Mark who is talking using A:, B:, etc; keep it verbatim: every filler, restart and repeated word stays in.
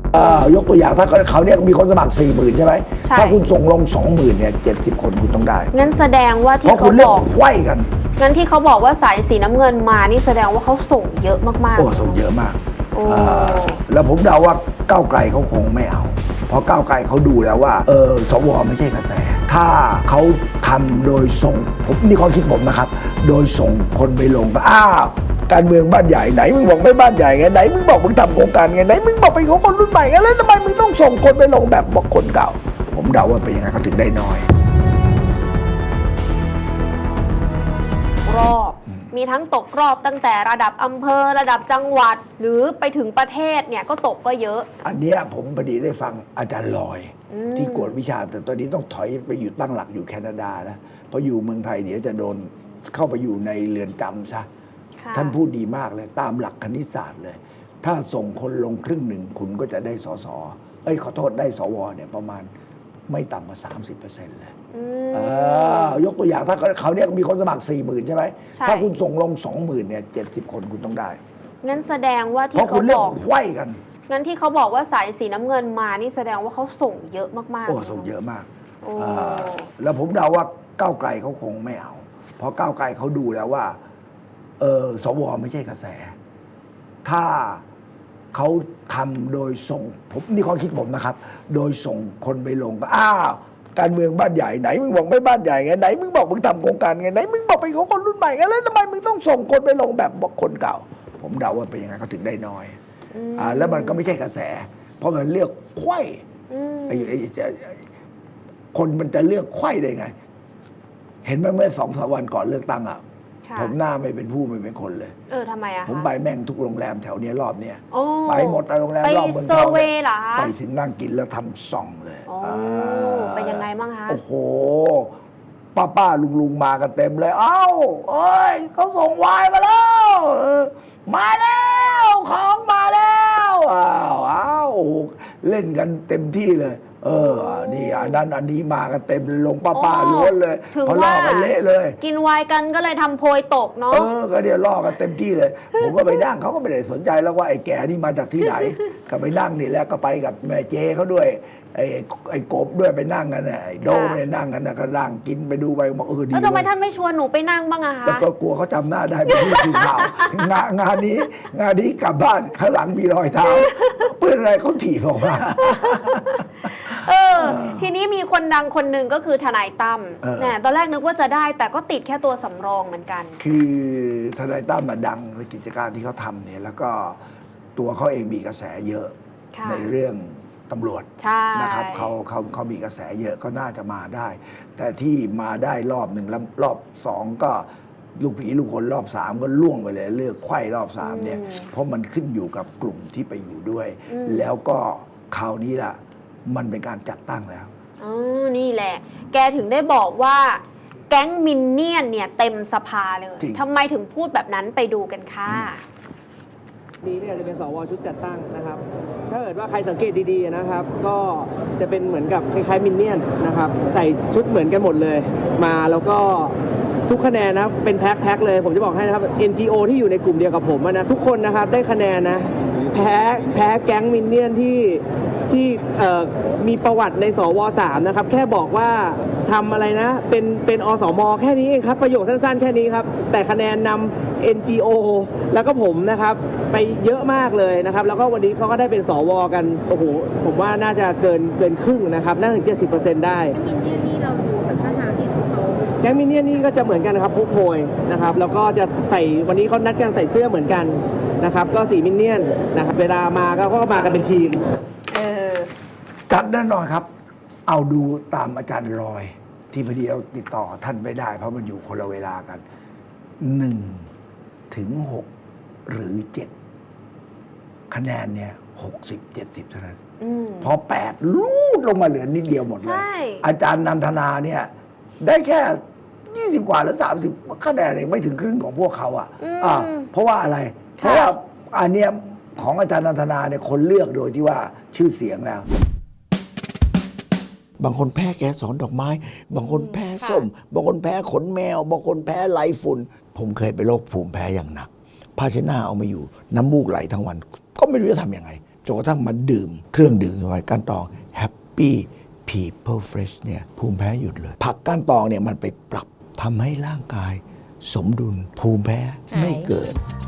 A: ยกตัวอย่างถ้าเขาเนี่ยมีคนสมัครสี่หมื่นใช่ไหมถ้าคุณส่งลงสองหมื่นเนี่ยเจ็ดสิบคนคุณต้องได้
B: งั้นแสดงว่าที่เขาบอก
A: ไขว้กัน
B: งั้นที่เขาบอกว่าสายสีน้ำเงินมานี่แสดงว่าเขาส่งเยอะมากๆ
A: โอ้ส่งเยอะมากแล้วผมเดาว่าก้าวไกลเขาคงไม่เอาเพราะก้าวไกลเขาดูแล้วว่าเออสวไม่ใช่กระแสถ้าเขาทำโดยส่งผมนี่ความคิดผมนะครับโดยส่งคนไปลงก็อ้าวการเมืองบ้านใหญ่ไหนมึงบอกไม่บ้านใหญ่ไงไหนมึงบอกมึงทำโครงการไงไหนมึงบอกเป็นของคนรุ่นใหม่ไงแล้วทำไมมึงต้องส่งคนไปลงแบบบอกคนเก่าผมเดาว่าเป็นยังไงเขาถึงได้น้อย
B: รอบมีทั้งตกรอบตั้งแต่ระดับอำเภอระดับจังหวัดหรือไปถึงประเทศเนี่ยก็ตกก็เยอะ
A: อันนี้ผมพอดีได้ฟังอาจารย์ลอยที่กวดวิชาแต่ตอนนี้ต้องถอยไปอยู่ตั้งหลักอยู่แคนาดานะเพราะอยู่เมืองไทยเดี๋ยวจะโดนเข้าไปอยู่ในเรือนจำซะท่านพูดดีมากเลยตามหลักคณิตศาสตร์เลยถ้าส่งคนลงครึ่งหนึ่งคุณก็จะได้สสเอ้ยขอโทษได้สวเนี่ยประมาณไม่ต่ำกว่า สามสิบเปอร์เซ็นต์ เลยยกตัวอย่างถ้าเขาเนี่ยมีคนสมัครสี่หมื่นใช่ไหมถ้าคุณส่งลงสองหมื่นเนี่ยเจ็ดสิบคนคุณต้องได้
B: งั้นแสดงว่าที่
A: เขาบอกไขว้กัน
B: งั้นที่เขาบอกว่าสายสีน้ำเงินมานี่แสดงว่าเขาส่งเยอะมากๆ
A: โอ้ส่งเยอะมากแล้วผมเดาว่าก้าวไกลเขาคงไม่เอาเพราะก้าวไกลเขาดูแล้วว่าเออสวไม่ใช่กระแสถ้าเขาทำโดยส่งผมนี่ความคิดผมนะครับโดยส่งคนไปลงก็อ้าวการเมืองบ้านใหญ่ไหนมึงบอกไม่บ้านใหญ่ไงไหนมึงบอกมึงทำโครงการไงไหนมึงบอกเป็นของคนรุ่นใหม่ไงแล้วทำไมมึงต้องส่งคนไปลงแบบบอกคนเก่าผมเดาว่าเป็นยังไงเขาถึงได้น้อยอ่าแล้วมันก็ไม่ใช่กระแสเพราะมันเลือกไขว้ไอ้ไอ้คนมันจะเลือกไขว้ได้ไงเห็นไหมเมื่อสองสามวันก่อนเลือกตั้งอ่ะผมหน้าไม่เป็นผู้ไม่เป็นคนเลย
B: เออทำไมอะ
A: ผมไปแม่งทุกโรงแรมแถวนี้รอบเนี้ยไปหมดโรงแรมรอบเมือง
B: ทองไป
A: ถึงนั่งกินแล้วทำส่องเลย
B: เป็นยังไงบ้างคะ
A: โอ้โหป้าป้าลุงลุงมากันเต็มเลยเอ้าเอ้ยเขาส่งวายมาแล้วมาแล้วของมาแล้วอ้าวอ้าวเล่นกันเต็มที่เลยเออนี่อันนั้นอันนี้มากันเต็มลงป้าป้าล้วนเลย
B: เพราะล่อ
A: กันเละเลย
B: กินไวน์กันก็เลยทำโพยตกเนาะ
A: เออก็เดี๋ยวล่อกันเต็มที่เลยผมก็ไปนั่งเขาก็ไม่ได้สนใจแล้วว่าไอ้แก่นี่มาจากที่ไหนก็ไปนั่งนี่แล้วก็ไปกับแม่เจเขาด้วยไอ้ไอ้กบด้วยไปนั่งกันไอ้โดมเนี่ยนั่งกันนะก็นั่งกินไปดูไปบอกเออดี
B: แล้วทำไมท่านไม่ชวนหนูไปนั่งบ้างอะคะ
A: แล้วก็กลัวเขาจำหน้าได้เป็นผู้สื่อข่าวงานงานนี้งานนี้กลับบ้านข้างหลังมีรอยเท้าเปื้อนอะไรเขาถีบออกมา
B: เออทีนี้มีคนดังคนหนึ่งก็คือทนายตั้มเนี่ยตอนแรกนึกว่าจะได้แต่ก็ติดแค่ตัวสำรองเหมือนกัน
A: คือทนายตั้มมาดังในกิจการที่เขาทำเนี่ยแล้วก็ตัวเขาเองมีกระแสเยอะในเรื่องตำรวจนะครับเขาเขาเขามีกระแสเยอะก็น่าจะมาได้ แต่ที่มาได้รอบหนึ่งแล้วรอบสองก็ลูกผีลูกคนรอบสามก็ล่วงไปเลยเลือกไขว้รอบสามเนี่ยเพราะมันขึ้นอยู่กับกลุ่มที่ไปอยู่ด้วย แล้วก็คราวนี้ล่ะมันเป็นการจัดตั้งแล้ว
B: อ๋อนี่แหละแกถึงได้บอกว่าแก๊งมินเนี่ยนเนี่ยเต็มสภาเลยทำไมถึงพูดแบบนั้นไปดูกันค่ะ
C: นี้เนี่ยจะเป็นสวชุดจัดตั้งนะครับถ้าเกิดว่าใครสังเกตดีๆนะครับก็จะเป็นเหมือนกับคล้ายๆมินเนี่ยนนะครับใส่ชุดเหมือนกันหมดเลยมาแล้วก็ทุกคะแนนนะเป็นแพ็คๆเลยผมจะบอกให้นะครับ เอ็น จี โอ ที่อยู่ในกลุ่มเดียวกับผมนะทุกคนนะครับได้คะแนนนะแพ้แพ้แก๊งมินเนี่ยนที่ที่มีประวัติในสวสามนะครับแค่บอกว่าทำอะไรนะเป็นเป็นอสมแค่นี้เองครับประโยคสั้นๆแค่นี้ครับแต่คะแนนนำ เอ็น จี โอ แล้วก็ผมนะครับไปเยอะมากเลยนะครับแล้วก็วันนี้เขาก็ได้เป็นสวกันโอ้โหผมว่าน่าจะเกินเกินครึ่งนะครับน่าถึง เจ็ดสิบเปอร์เซ็นต์ ได้
D: มินเนี่ยนนี่เราดูจากท่าทางที่เขา
C: แก๊งมินเนี่ยนนี่ก็จะเหมือนกันนะครับพกโพยนะครับแล้วก็จะใส่วันนี้เขานัดกันใส่เสื้อเหมือนกันนะครับก็สีมินเนี่ยนนะครับเวลามาก็เขาก็มากันเป็นทีม
A: จัดแน่นอนครับเอาดูตามอาจารย์ลอยที่พอดีเราติดต่อท่านไม่ได้เพราะมันอยู่คนละเวลากันหนึ่งถึงหกหรือเจ็ดคะแนนเนี่ยหกสิบเจ็ดสิบเท่านั้นพอแปดลูดลงมาเหลือนิดเดียวหมดเลยอาจารย์นันทนาเนี่ยได้แค่ยี่สิบกว่าหรือสามสิบคะแนนเองไม่ถึงครึ่งของพวกเขาอ่ะอ่าเพราะว่าอะไรเพราะว่าอันเนี้ยของอาจารย์นันทนาเนี่ยคนเลือกโดยที่ว่าชื่อเสียงแล้วบางคนแพ้แกสอนดอกไม้บางคนแพ้ส้มบางคนแพ้ขนแมวบางคนแพ้ไหลฝุ่นผมเคยไปโรคภูมิแพ้อย่างหนักผ้าเช็ดหน้าเอามาอยู่น้ำมูกไหลทั้งวันก็ไม่รู้จะทำยังไงจนกระทั่งมาดื่มเครื่องดื่มสมุนไพรก้านตอง Happy People Fresh เนี่ยภูมิแพ้หยุดเลย ผักก้านตองเนี่ยมันไปปรับทำให้ร่างกายสมดุลภูมิแพ้ไม่เกิด
E: หาย